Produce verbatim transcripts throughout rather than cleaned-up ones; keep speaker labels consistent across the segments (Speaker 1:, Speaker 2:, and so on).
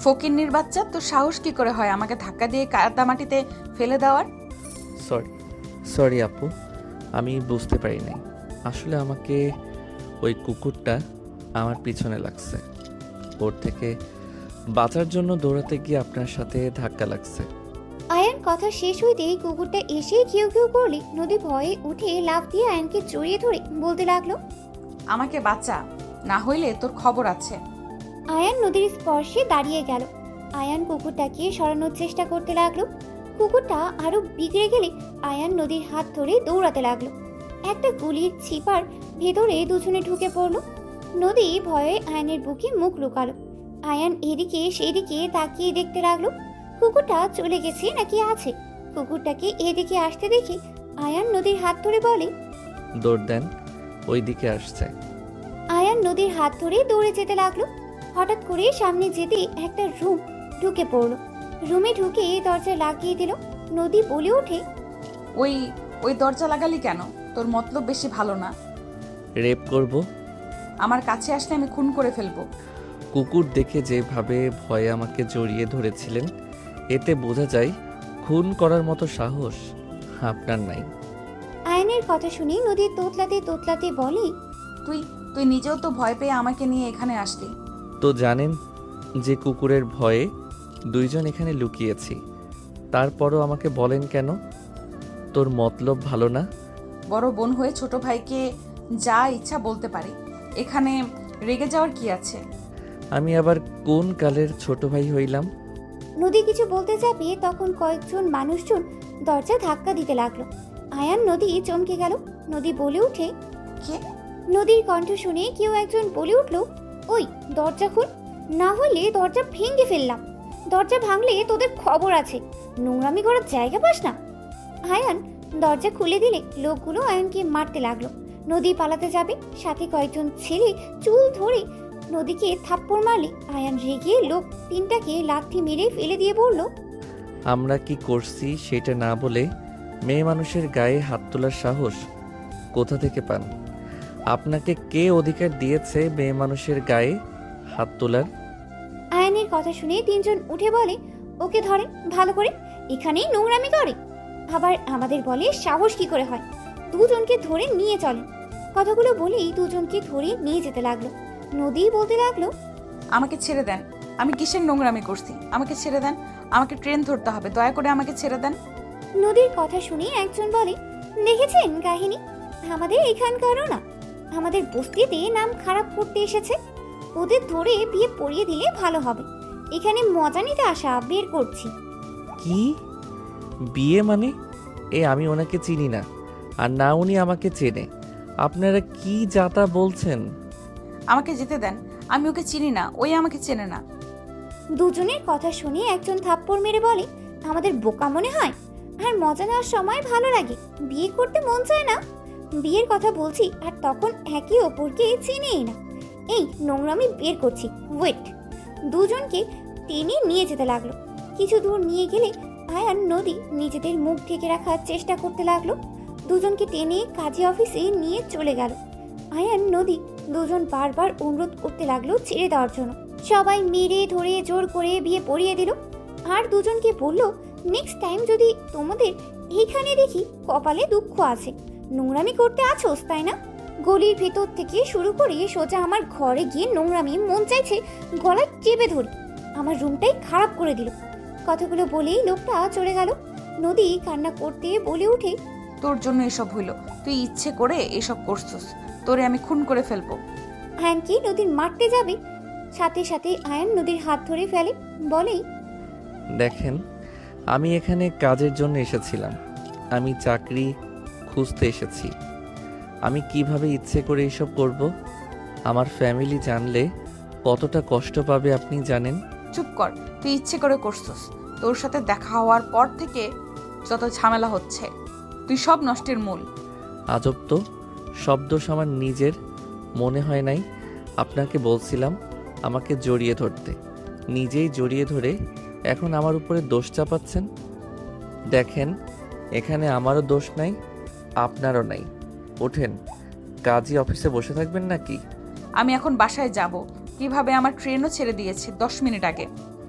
Speaker 1: ফকিন্নির বাচ্চা, তোর সাহস কি করে হয় আমাকে ধাক্কা দিয়ে কাদা মাটিতে ফেলে দেওয়ার?
Speaker 2: সরি সরি আপু, আমি বুঝতে পারি নাই। আসলে আমাকে ওই কুকুরটা আমার পিছনে লাগছে, ওর থেকে বাঁচার জন্য দৌড়াতে গিয়ে আপনার সাথে ধাক্কা লাগছে।
Speaker 3: আয়ান কথা শেষ হইতেই কুকুরটা এসে কেউ কেউ করলে নদী ভয়ে উঠে লাফ দিয়ে আয়ানকে জড়িয়ে ধরে বলতে লাগলো,
Speaker 1: আমাকে বাঁচা, না হইলে তোর খবর আছে।
Speaker 3: আয়ান নদীর স্পর্শে দাঁড়িয়ে গেল। আয়ান কুকুরটাকে সরানোর চেষ্টা করতে লাগলো। কুকুরটা আরো বিগড়ে গেলে আয়ান নদীর হাত ধরে দৌড়াতে লাগলো। একটা গুলির ছিপার ভেতরে দুজনে ঢুকে পড়লো। নদী ভয়ে আয়ানের বুকে মুখ লুকালো। আয়ান এদিকে সেদিকে তাকিয়ে দেখতে লাগলো কুকুরটা চলে গেছে নাকি আছে। কুকুরটাকে এদিকে আসতে দেখে আয়ান নদীর হাত ধরে বলে,
Speaker 2: দৌড় দেন, ওই দিকে আসছে।
Speaker 3: আয়ান নদীর হাত ধরে দৌড়ে যেতে লাগলো। হঠাৎ করে সামনে যেতে একটা রুম ঢুকে পড়লো। রুমে ঢুকে দরজা লাগিয়ে দিল। নদী বলে ওঠে,
Speaker 1: ওই ওই দরজা লাগালি কেন? তোর মতলব বেশি ভালো না।
Speaker 2: রেপ করব?
Speaker 1: আমার কাছে আসলে আমি খুন করে ফেলবো।
Speaker 2: কুকুর দেখে যেভাবে ভয়ে আমাকে জড়িয়ে ধরেছিলেন, এতে বোঝা যায় খুন করার মতো সাহস আপনার নাই।
Speaker 3: আয়নের কথা শুনে নদী তোতলাতে তোতলাতে বলে,
Speaker 1: তুই তুই নিজেও তো ভয় পেয়ে আমাকে নিয়ে এখানে আসলি।
Speaker 2: তো জানেন যে কুকুরের ভয়ে দুইজন এখানে লুকিয়েছি, তারপরও আমাকে বলেন কেন তোর মতলব ভালো না?
Speaker 1: বড় বোন হয়ে ছোট ভাইকে যা ইচ্ছা বলতে পারি, এখানে রেগে যাওয়ার কি আছে?
Speaker 2: আমি আবার কোন কালের ছোট ভাই হইলাম?
Speaker 3: নদী কিছু বলতে যাবে তখন কয়েকজন মানুষজন দরজা ধাক্কা দিতে লাগলো। আয়ান নদী চমকে গেল। নদী বলে উঠে,
Speaker 1: কে?
Speaker 3: নদীর কণ্ঠ শুনে কেউ একজন বলে উঠল, ওই দরজা খুল, না হলে দরজা ভেঙে ফেললাম। দরজা ভাঙলে তোদের খবর আছে, নোংরামি করার জায়গা পাস না। আয়ান দরজা খুলে দিলে লোকগুলো আয়ানকে মারতে লাগলো। নদী পালাতে যাবে, সাথে কয়েকজন ছেলে চুল ধরে নদীকে থাপ্পড় মারলে আয়ান রেগে লোক তিনটাকে লাথি মেরে ফেলে দিয়ে বলল,
Speaker 2: আমরা কি করছি সেটা না বলে মেয়ে মানুষের গায়ে হাত তোলার সাহস কোথা থেকে পান? আপনাকে কে অধিকার দিয়েছে মেয়ে মানুষের গায়ে হাত তোলার?
Speaker 3: আয়ানের কথা শুনে তিনজন উঠে বলে, ওকে ধরেন ভালো করে, এখানেই নোংরামি করে। আবার আমাদের বলে সাহস কি করে হয়, দুজনকে ধরে নিয়ে চলেন। কথাগুলো বলেই দুজনকে ধরে নিয়ে যেতে লাগলো। নদী বলতে লাগলো,
Speaker 1: আমাকে ছেড়ে দেন, আমি কিসের নোংরামি করছি? আমাকে ছেড়ে দেন, আমাকে ট্রেন ধরতে হবে, দয়া করে আমাকে ছেড়ে দেন।
Speaker 3: নদীর কথা শুনে একজন বলে, দেখেছেন কাহিনী, আমাদের এখানকারও না, আমাদের বস্তিতে নাম খারাপ করতে এসেছে। ওদের ধরে বিয়ে পড়িয়ে দিলে ভালো হবে। এখানে মজা নিতে আসা, বের করছি।
Speaker 2: কি বিয়ে মানে? এ আমি ওনাকে চিনি না, আর না উনি আমাকে চেনে। আপনারা কি যাতা বলছেন?
Speaker 1: আমাকে যেতে দেন, আমি ওকে চিনি না, ওই আমাকে চেনে না।
Speaker 3: দুজনের কথা শুনে একজন থাপ্পড় মেরে বলে, আমাদের বোকা মনে হয়? আর মজা নেওয়ার সময় ভালো লাগে, বিয়ে করতে মন চায় না? বিয়ের কথা বলছি আর তখন একে অপরকে চিনেই না। এই নোংরামি বের করছি, ওয়েট। দুজনকে টেনে নিয়ে যেতে লাগলো। কিছু দূর নিয়ে গেলে আয়ান নদী নিজেদের মুখ ঢেকে রাখার চেষ্টা করতে লাগলো। দুজনকে টেনে কাজী অফিসে নিয়ে চলে গেল। আয়ান নদী দুজন বারবার অনুরোধ করতে লাগলো ছেড়ে দেওয়ার জন্য। সবাই মেরে ধরে জোর করে বিয়ে পড়িয়ে দিল। আর দুজনকে বলল, নেক্সট টাইম যদি তোমাদের এইখানে দেখি কপালে দুঃখ আছে, নোংরামি করতে আছোস তাই না? গলির ভেতর থেকে শুরু করে সোজা আমার ঘরে গিয়ে নোংরামি মন চাইছে গলায় চেপে ধরি, আমার রুমটাই খারাপ করে দিল। কথাগুলো বলেই লোকটা চলে গেল। নদী কান্না করতে বলে উঠে,
Speaker 1: তোর জন্য এসব হইলো, তুই ইচ্ছে করে এসব করছিস, তোরে আমি খুন করে ফেলবো।
Speaker 3: আয়ানকে নদীর মারতে যাবে, সাথে সাথে আয়ান নদীর হাত ধরে ফেলে, বলে,
Speaker 2: দেখেন, আমি এখানে কাজের জন্য এসেছিলাম, আমি চাকরি খুঁজতে এসেছি। আমি কিভাবে ইচ্ছে করে এসব করব? আমার ফ্যামিলি জানলে কতটা কষ্ট পাবে আপনি জানেন?
Speaker 1: চুপ কর, তুই ইচ্ছে করে করছিস। তোর সাথে দেখা হওয়ার পর থেকে যত ঝামেলা হচ্ছে, তুই সব নষ্টের মূল।
Speaker 2: আজব তো, শব্দ আমার নিজের মনে হয় নাই। আপনাকে বলছিলাম আমাকে জড়িয়ে ধরতে, নিজেই জড়িয়ে ধরে এখন আমার উপরে দোষ চাপাচ্ছেন। দেখেন, এখানে আমারও দোষ নাই, আপনারও নাই। ওঠেন, কাজী অফিসে বসে থাকবেন নাকি?
Speaker 1: আমি এখন বাসায় যাব। কিভাবে আমার ট্রেনও ছেড়ে দিয়েছে দশ মিনিট আগে।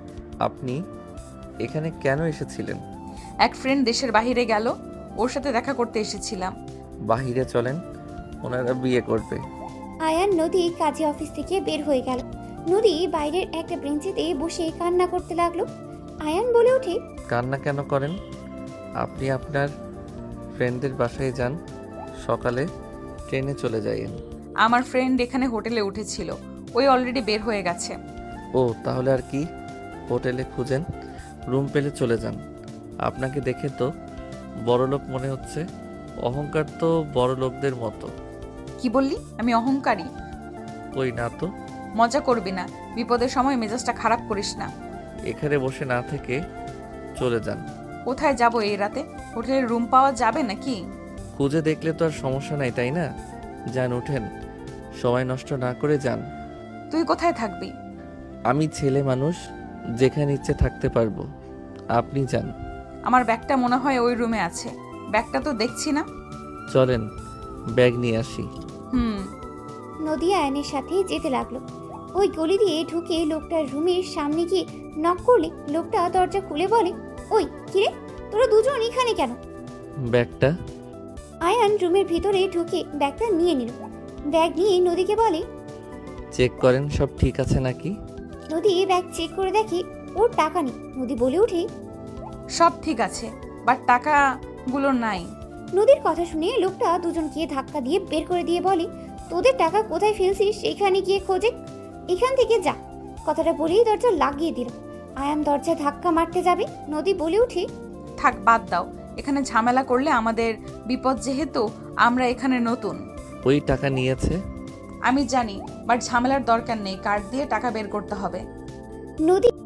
Speaker 2: আপনি এখানে কেন এসেছিলেন?
Speaker 1: এক ফ্রেন্ড দেশের বাইরে গেল, ওর সাথে দেখা করতে এসেছিলাম।
Speaker 2: বাহিরে চলেন, ওনারা বিয়ে করবে।
Speaker 3: আয়ান নদী কাজী অফিস থেকে বের হয়ে গেল। নদী বাইরের একটা বেঞ্চিতে বসে কান্না করতে লাগলো। আয়ান বলে ওঠে,
Speaker 2: কান্না কেন করেন? আপনি আপনার ফ্রেন্ডদের বাসায় যান, সকালে ট্রেনে চলে যাইয়েন।
Speaker 1: আমার ফ্রেন্ড এখানে হোটেলে উঠেছিল, ওই অলরেডি বের হয়ে গেছে।
Speaker 2: ও তাহলে আর কি, হোটেলে খুঁজেন, রুম পেলে চলে যান। আপনাকে দেখে তো বড়লোক মনে হচ্ছে। অহংকার তো বড় লোকদের মতো।
Speaker 1: কি বললি? আমি অহংকারী?
Speaker 2: ওই না তো।
Speaker 1: মজা করবি না, বিপদের সময় মেজাজটা খারাপ করিস না।
Speaker 2: এখানে বসে না থেকে চলে যান।
Speaker 1: কোথায় যাব এই রাতে? হোটেলের রুম পাওয়া যাবে নাকি?
Speaker 2: খুঁজে দেখলে তো আর সমস্যা নাই, তাই না? যান, উঠেন, সময় নষ্ট না করে যান।
Speaker 1: তুই কোথায় থাকবি?
Speaker 2: আমি ছেলে মানুষ, যেখানে ইচ্ছে থাকতে পারবো। আপনি যান।
Speaker 1: আমার ব্যাগটা মনে হয় ওই রুমে আছে। ব্যাগটা তো দেখছি না।
Speaker 2: চলেন, ব্যাগ নিয়ে আসি।
Speaker 1: হুম।
Speaker 3: নদী আয়নের সাথে যেতে লাগলো। ওই গলি দিয়ে ঢুকে লোকটার রুমের সামনে গিয়ে নক করলে লোকটা দরজা খুলে বলে, ওই কিরে, তোরা দুজন এখানে কেন?
Speaker 2: ব্যাগটা?
Speaker 3: আয়ান রুমের ভিতরে ঢুকে ব্যাগটা নিয়ে নিল। ব্যাগ নিয়ে নদীকে বলে,
Speaker 2: চেক করেন সব ঠিক আছে নাকি।
Speaker 3: নদী ব্যাগ চেক করে দেখে ওর টাকা নেই। নদী বলে ওঠে,
Speaker 1: সব ঠিক আছে, বাট টাকাগুলো নাই।
Speaker 3: নদীর কথা শুনে লোকটা দুজনকে ধাক্কা দিয়ে বের করে দিয়ে বলে, তোদের টাকা কোথায় ফেলছিস সেখানে গিয়ে খোঁজে, এখান থেকে যা। কথাটা বলেই দরজা লাগিয়ে দিল। আয়ান দরজা ধাক্কা মারতে যাবে, নদী বলে উঠে,
Speaker 1: থাক, বাদ দাও। এখানে ঝামেলা করলে আমাদের বিপদ, যেহেতু আমরা এখানে নতুন।
Speaker 2: ওই টাকা নিয়েছে।
Speaker 1: আমি জানি, বাট ঝামেলার দরকার নেই। কার্ড দিয়ে টাকা বের করতে হবে।
Speaker 3: নদী